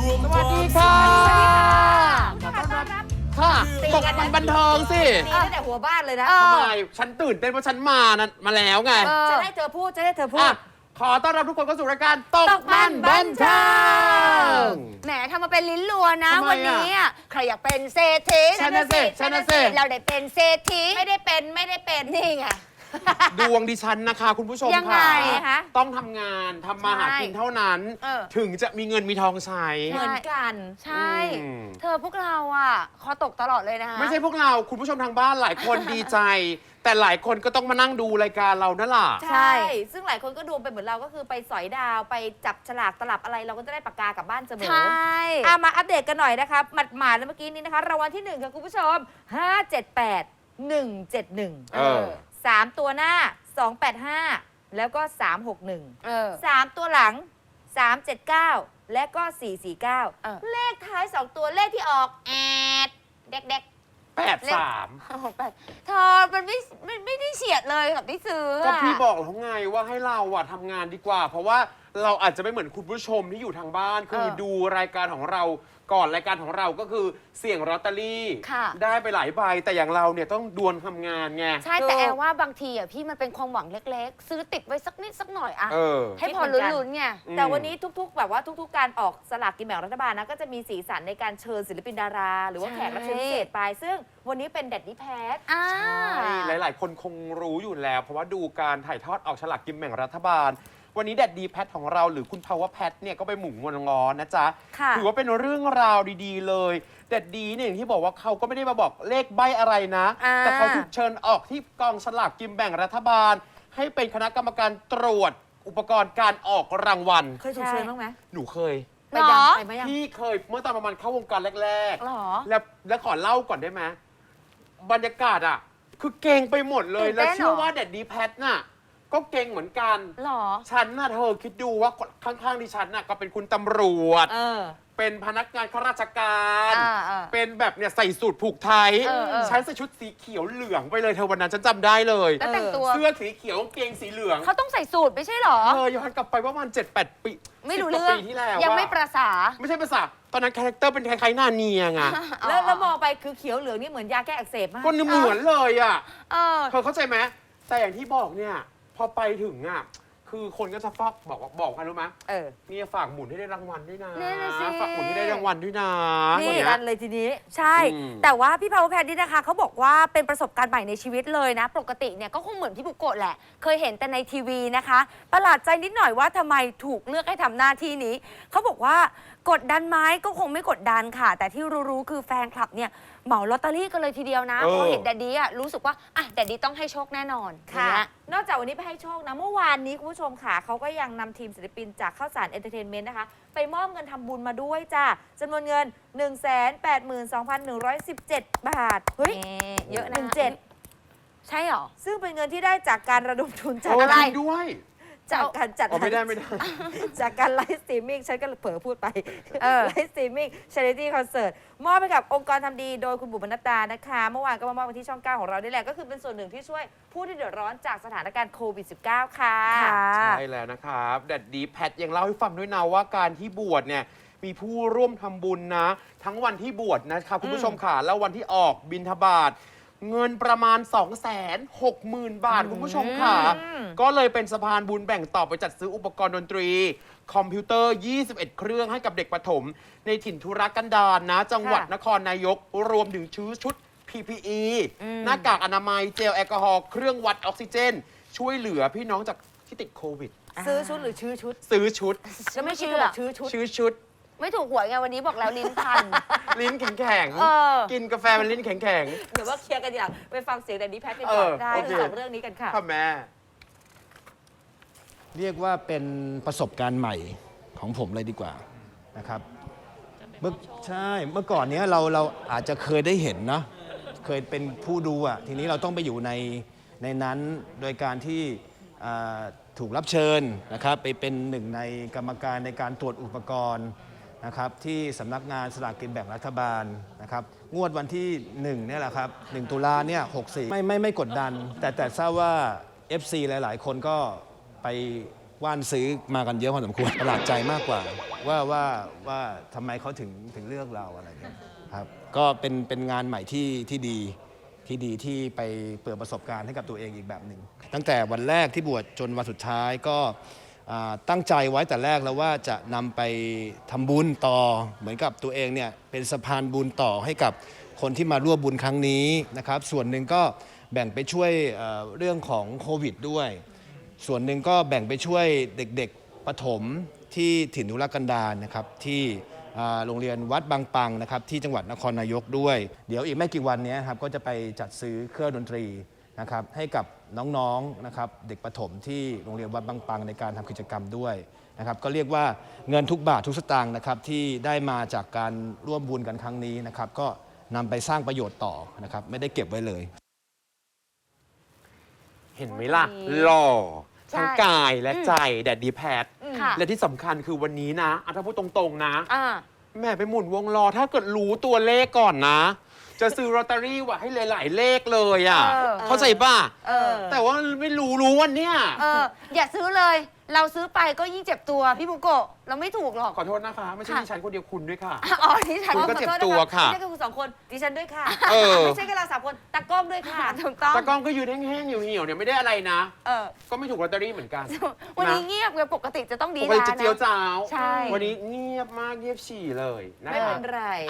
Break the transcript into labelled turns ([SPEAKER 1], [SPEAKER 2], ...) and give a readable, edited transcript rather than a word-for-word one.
[SPEAKER 1] สวัสดีค่ะขอต้อนรับค่ะตกมันบันเทิงสิ
[SPEAKER 2] นี่ตั้งแต่หัวบ้านเลยนะ
[SPEAKER 1] ทำไมฉันตื่นเต้นเพราะฉันมาแล้วไง
[SPEAKER 2] จะให้เธอพูด จะให้เธอพูด
[SPEAKER 1] ขอต้อนรับทุกคนเข้าสู่รายการตกมันบันเทิง
[SPEAKER 3] แหมทำมาเป็นลิ้นรัวนะ
[SPEAKER 1] ทำไม
[SPEAKER 3] วันนี้อ่ะใครอยากเป็นเศรษฐี
[SPEAKER 1] ฉันน่ะสิ
[SPEAKER 3] เราได้เป็นเศรษฐี
[SPEAKER 2] ไม่ได้เป็น
[SPEAKER 3] นี่ไง
[SPEAKER 1] ดวงดิฉันนะคะ คุณผู้ชม
[SPEAKER 3] ยังไง
[SPEAKER 1] ค่ะ
[SPEAKER 3] คะ
[SPEAKER 1] ต้องทำงานทำมาหากินเท่านั้น ถึงจะมีเงินมีทองใช้
[SPEAKER 2] เหมือนกัน
[SPEAKER 3] ใช่
[SPEAKER 1] อืม
[SPEAKER 3] เธอพวกเราอ่ะคอตกตลอดเลยนะคะ
[SPEAKER 1] ไม่ใช่พวกเราคุณผู้ชมทางบ้านหลายคนดีใจ แต่หลายคนก็ต้องมานั่งดูรายการเรานั่นแหละ
[SPEAKER 2] ใช่ ซึ่งหลายคนก็ดวงไปเหมือนเราก็คือไปสอยดาวไปจับฉลากตลับอะไรเราก็จะได้ปากกากลับบ้านเสมอ
[SPEAKER 3] ใช่
[SPEAKER 2] มาอัปเดตกันหน่อยนะคะหมาดๆแล้วเมื่อกี้นี้นะคะรางวัลที่1ค่ะคุณผู้ชม 578 171
[SPEAKER 1] เออ
[SPEAKER 2] 3 ตัวหน้า 285 แล้วก็ 361
[SPEAKER 3] เออ
[SPEAKER 2] 3 ตัวหลัง 379 และก็ 449 เลขท้าย 2 ตัวเลขที่ออกแอดเด็ก
[SPEAKER 1] 83
[SPEAKER 3] เธอมันไม่ได้เฉียดเลยกับที่ซื้อ
[SPEAKER 1] ก็
[SPEAKER 3] อะ
[SPEAKER 1] พี่บอกแล้วไงว่าให้เราอะทำงานดีกว่า เพราะว่าเราอาจจะไม่เหมือนคุณผู้ชมที่อยู่ทางบ้าน คือดูรายการของเราก่อนรายการของเราก็คือเสี่ยงลอตเตอรี่
[SPEAKER 3] ค่ะ
[SPEAKER 1] ได้ไปหลายใบแต่อย่างเราเนี่ยต้องดวลทำงานไง
[SPEAKER 3] ใช่แต่แอร์ว่าบางทีอ่ะพี่มันเป็นความหวังเล็กๆ ซื้อติดไว้สักนิดสักหน่อยอะ
[SPEAKER 1] เออ
[SPEAKER 3] ให้พอลุ้นๆไง
[SPEAKER 1] อืม
[SPEAKER 2] แต่วันนี้ทุกๆ แบบว่าทุกๆ การออกสลากกินแบ่งรัฐบาลนะก็จะมีสีสันในการเชิญศิลปินดารา หรือว่าแขกรับเชิญพิเศษไป ซึ่งวันนี้เป็นแดดดี้แพท
[SPEAKER 3] อ่า
[SPEAKER 1] ใช่หลายๆ คนคงรู้อยู่แล้ว เพราะว่าดูการถ่ายทอดออกฉลากกินแบ่งรัฐบาล วันนี้แดดดีแพทของเราหรือคุณภาวะแพทเนี่ยก็ไปหมุนงอนงอนนะจ๊ะ
[SPEAKER 3] ค่ะ
[SPEAKER 1] ถือว่าเป็นเรื่องราวดีๆ เลยแดดดีเนี่ยอย่างที่บอกว่าเขาก็ไม่ได้มาบอกเลขใบอะไรนะ
[SPEAKER 3] อ่า
[SPEAKER 1] แต่เขาถูกเชิญออกที่กองฉลากกินแบ่งรัฐบาล ให้เป็นคณะกรรมการตรวจอุปกรณ์การออกรางวัล
[SPEAKER 2] เคยถูกเชิญบ้างไหม
[SPEAKER 1] หนูเคย
[SPEAKER 2] ไปยัง
[SPEAKER 3] หรอ
[SPEAKER 2] ไปไหมยัง
[SPEAKER 1] พี่เคยเมื่อตอนประมาณเข้าวงการแรก
[SPEAKER 3] หรอ
[SPEAKER 1] ๆ แล้วขอเล่าก่อนได้ไหมบรรยากาศอ่ะ คือเก่งไปหมดเลย
[SPEAKER 3] ตื่น
[SPEAKER 1] แล้ว
[SPEAKER 3] เต้น
[SPEAKER 1] เชื่อ
[SPEAKER 3] เหรอ
[SPEAKER 1] ว่าแดดดีแพทน่ะก็เก่งเหมือนกัน
[SPEAKER 3] หรอ
[SPEAKER 1] ฉันน่ะเธอคิดดูว่าข้างๆดิฉันน่ะก็เป็นคุณตำรวจ เป็นพนักงานข้าราชการ เป็นแบบเนี่ยใส่สูทผูกไทย
[SPEAKER 3] เออ
[SPEAKER 1] ฉันใส่ชุดสีเขียวเหลืองไปเลยเธอวันนั้นฉันจำได้เลย
[SPEAKER 3] แล้วแต่งตัว
[SPEAKER 1] เสื้อสีเขียวกางเกงสีเหลือง
[SPEAKER 3] เขาต้องใส่สูตรไม่ใช่หรอ
[SPEAKER 1] เธอย้อนกลับไปว่ามัน7-8 ปี
[SPEAKER 3] ไม่รู้
[SPEAKER 1] 10
[SPEAKER 3] เรื่อง
[SPEAKER 1] ปีที่แล้ว
[SPEAKER 3] ยัง
[SPEAKER 1] อะ
[SPEAKER 3] ไม่ประสา
[SPEAKER 1] ไม่ใช่ภาษาตอนนั้นคาแรคเตอร์เป็นคล้ายๆหน้าเนียไง
[SPEAKER 2] แล้วมองไปคือเขียวเหลืองนี่เหมือนยาแก้อักเสบมาก
[SPEAKER 1] ก็เหมือนเลยอ่ะ
[SPEAKER 3] เออ
[SPEAKER 1] เธอเข้าใจไหมแต่อย่างที่บอกเนี่ย พอไปถึงอ่ะ คือคนก็จะฟอกบอกกันรู้ไหม นี่ฝากหมุนให้ได้รางวัลด้วยนะ
[SPEAKER 3] นั่นน่ะสิ
[SPEAKER 1] ฝากหมุนให้ได้รางวัลด้วยนะ
[SPEAKER 2] นี่
[SPEAKER 1] อย่างเงี้
[SPEAKER 2] กั
[SPEAKER 1] ย
[SPEAKER 2] นเลยทีนี้
[SPEAKER 3] ใช่
[SPEAKER 1] อืม
[SPEAKER 3] แต่ว่าพี่พาวเวอร์แพนนี่นะคะเขาบอกว่าเป็นประสบการณ์ใหม่ในชีวิตเลยนะ ปกติเนี่ยก็คงเหมือนพี่บุโกะแหละ เคยเห็นแต่ในทีวีนะคะ ประหลาดใจนิดหน่อยว่าทำไมถูกเลือกให้ทำหน้าที่นี้ เขาบอกว่ากดดันไหมก็คงไม่กดดันค่ะ แต่ที่รู้ๆคือแฟนคลับเนี่ยเหมาลอตเตอรี่กันเลยทีเดียวนะ
[SPEAKER 1] เออ
[SPEAKER 3] เพราะเห็นแดดดี้อะรู้สึกว่าอ่ะแดดดี้ต้องให้โชคแน่นอน
[SPEAKER 2] ค่ะ
[SPEAKER 3] อย่างเงี้ย
[SPEAKER 2] นอกจากวันนี้ไปให้โชคนะ เมื่อวานนี้คุณผู้ชมค่ะเขาก็ยังนำทีมศิลปินจากข้าวสารเอนเตอร์เทนเมนต์นะคะ ไปมอบเงินทำบุญมาด้วยจ้าจำนวนเงิน 182,117 บาท เฮ้ย
[SPEAKER 3] เยอะนะ
[SPEAKER 2] 17
[SPEAKER 3] ใช่เหรอ
[SPEAKER 2] ซึ่งเป็นเงินที่ได้จากการระดมทุนจาก
[SPEAKER 1] โอ้
[SPEAKER 2] อะไร
[SPEAKER 1] จริงด้วย
[SPEAKER 2] จากการจัด
[SPEAKER 1] อ๋อไม่ได้ไม่ได้
[SPEAKER 2] จากการไลฟ์สตรีมมิ่งฉันก็เผลอพูดไป
[SPEAKER 3] เออ
[SPEAKER 2] ไลฟ์สตรีมมิ่งชาริตี้คอนเสิร์ตมอบให้กับองค์กรทำดีโดยคุณบุ๋มบรรณดานะคะ เมื่อวานก็มามอบกันที่ช่อง 9 ของเราได้แหละ ก็คือเป็นส่วนหนึ่งที่ช่วยผู้ที่เดือดร้อนจากสถานการณ์โควิด -19 ค่ะ
[SPEAKER 1] ใช่แล้วนะครับแดดดีแพทยังเล่าให้ฟังด้วยนะว่าการที่บวชเนี่ยมีผู้ร่วมทำบุญนะ ทั้งวันที่บวชนะครับคุณผู้ชมค่ะแล้ววันที่ออกบิณฑบาตเงินประมาณ 260,000 บาทคุณผู้ชมค่ะ ก็เลยเป็นสะพานบุญแบ่งต่อไปจัดซื้ออุปกรณ์ดนตรี คอมพิวเตอร์ 21 เครื่องให้กับเด็กประถม ในถิ่นธุรกันดารนะ จังหวัดนครนายกรวมถึงชุด PPE หน้ากากอนามัยเจลแอลกอฮอล์เครื่องวัดออกซิเจน ช่วยเหลือพี่น้องจากที่ติดโควิด
[SPEAKER 2] ซื้อชุดหรือชื่อชุด
[SPEAKER 1] ซื้อชุด
[SPEAKER 2] แล้วไม่คิด
[SPEAKER 3] เชื่อ
[SPEAKER 2] ว่าชื่อชุด
[SPEAKER 1] ชื่อชุด
[SPEAKER 3] ไม่ถูกหวยไงวันนี้บอกแล้วลิ้นพัน
[SPEAKER 1] ลิ้นแข็ง
[SPEAKER 3] เออ
[SPEAKER 1] กินกาแฟมันลิ้นแข็ง
[SPEAKER 2] เดี๋ยวว่าเคลียร์กันอย่างไปฟังเสียงแดนนี่แพทกันก่อน
[SPEAKER 1] ได้
[SPEAKER 2] พูดถึงสองเรื่องนี้กันค่ะ
[SPEAKER 1] ๆค่ะแม่
[SPEAKER 4] เรียกว่าเป็นประสบการณ์ใหม่ของผมเลยดีกว่านะครับใช่เมื่อก่อนเนี้ยเราอาจจะเคยได้เห็นเนาะเคยเป็นผู้ดูอ่ะทีนี้เราต้องไปอยู่ในนั้นโดยการที่ถูกรับเชิญนะครับไปเป็นหนึ่งในกรรมการในการตรวจอุปกรณ์นะครับที่สำนักงานสลากกินแบ่งรัฐบาลนะครับงวดวันที่1เนี่ยแหละครับ1 ตุลาเนี่ย64ไม่กดดัน แต่ทราบว่า FC หลายๆ คนก็ไปว่านซื้อมากันเยอะพอสมควรประหลาดใจมากกว่าว่าทำไมเขาถึงเลือกเราอะไรเงี้ยครับก็เป็นงานใหม่ที่ดีที่ไปเปิดประสบการณ์ให้กับตัวเองอีกแบบหนึ่งตั้งแต่วันแรกที่บวชจนวันสุดท้ายก็ตั้งใจไว้แต่แรกแล้วว่าจะนำไปทำบุญต่อเหมือนกับตัวเองเนี่ยเป็นสะพานบุญต่อให้กับคนที่มาร่วมบุญครั้งนี้นะครับส่วนหนึ่งก็แบ่งไปช่วยเรื่องของโควิดด้วยส่วนหนึ่งก็แบ่งไปช่วยเด็กๆประถมที่ถิ่นทุรกันดารนะครับที่โรงเรียนวัดบางปังนะครับที่จังหวัดนครนายกด้วยเดี๋ยวอีกไม่กี่วันนี้ครับก็จะไปจัดซื้อเครื่องดนตรีนะครับให้กับน้องๆนะครับเด็กประถมที่โรงเรียนวัดบางปังในการทำกิจกรรมด้วยนะครับก็เรียกว่าเงินทุกบาททุกสตางค์นะครับที่ได้มาจากการร่วมบุญกันครั้งนี้นะครับก็นำไปสร้างประโยชน์ต่อนะครับไม่ได้เก็บไว้เลย
[SPEAKER 1] เห็นไหมล่ะ หล่อ
[SPEAKER 3] ใช่
[SPEAKER 1] ทั้งกายและใจแดดดีแพท
[SPEAKER 3] ค่ะ
[SPEAKER 1] และที่สำคัญคือวันนี้นะถ้าพูดตรงๆนะ
[SPEAKER 3] อ่า
[SPEAKER 1] แม่ไปหมุนวงล้อถ้าเกิดรู้ตัวเลขก่อนนะ จะซื้อลอตเตอรี่ไว้ให้หลายๆเลขเลยอ่ะ
[SPEAKER 3] เออ
[SPEAKER 1] เข้าใจป่ะ
[SPEAKER 3] เออ
[SPEAKER 1] แต่ว่าไม่รู้วันเนี้ย
[SPEAKER 3] อย่าซื้อเลย เราซื้อไปก็ยิ่งเจ็บตัวพี่บุโกะเราไม่ถูกหรอก
[SPEAKER 1] ขอโทษนะคะ ไม่ใช่
[SPEAKER 3] ค่ะ
[SPEAKER 1] ดิฉันคนเดียวคุณด้วยค่ะ
[SPEAKER 3] อ๋อที่ฉัน
[SPEAKER 1] คุณก็เจ็บตัวค่ะ
[SPEAKER 2] ไม่ใช่แค่คุณสองคนดิฉันด้วยค่ะ
[SPEAKER 1] เออ
[SPEAKER 2] ไม่ใช่แค่เรา3 คนตากล้องด้วยค่ะ
[SPEAKER 3] ถูกต้อง
[SPEAKER 1] ตากล้องก็ยืนแห้งๆเหี่ยวๆเนี่ยไม่ได้อะไรนะ
[SPEAKER 3] เออ
[SPEAKER 1] ก็ไม่ถูกลอตเตอรี่เหมือนกัน
[SPEAKER 3] วันนี้เงียบไงปกติจะต้องดี
[SPEAKER 1] ปกติ
[SPEAKER 3] นะ
[SPEAKER 1] จะเจียวจ้าว
[SPEAKER 3] ใช่
[SPEAKER 1] วันนี้เงียบมากเงียบฉี่เลยนะ
[SPEAKER 2] ไม่
[SPEAKER 1] คะ
[SPEAKER 2] เป็นไร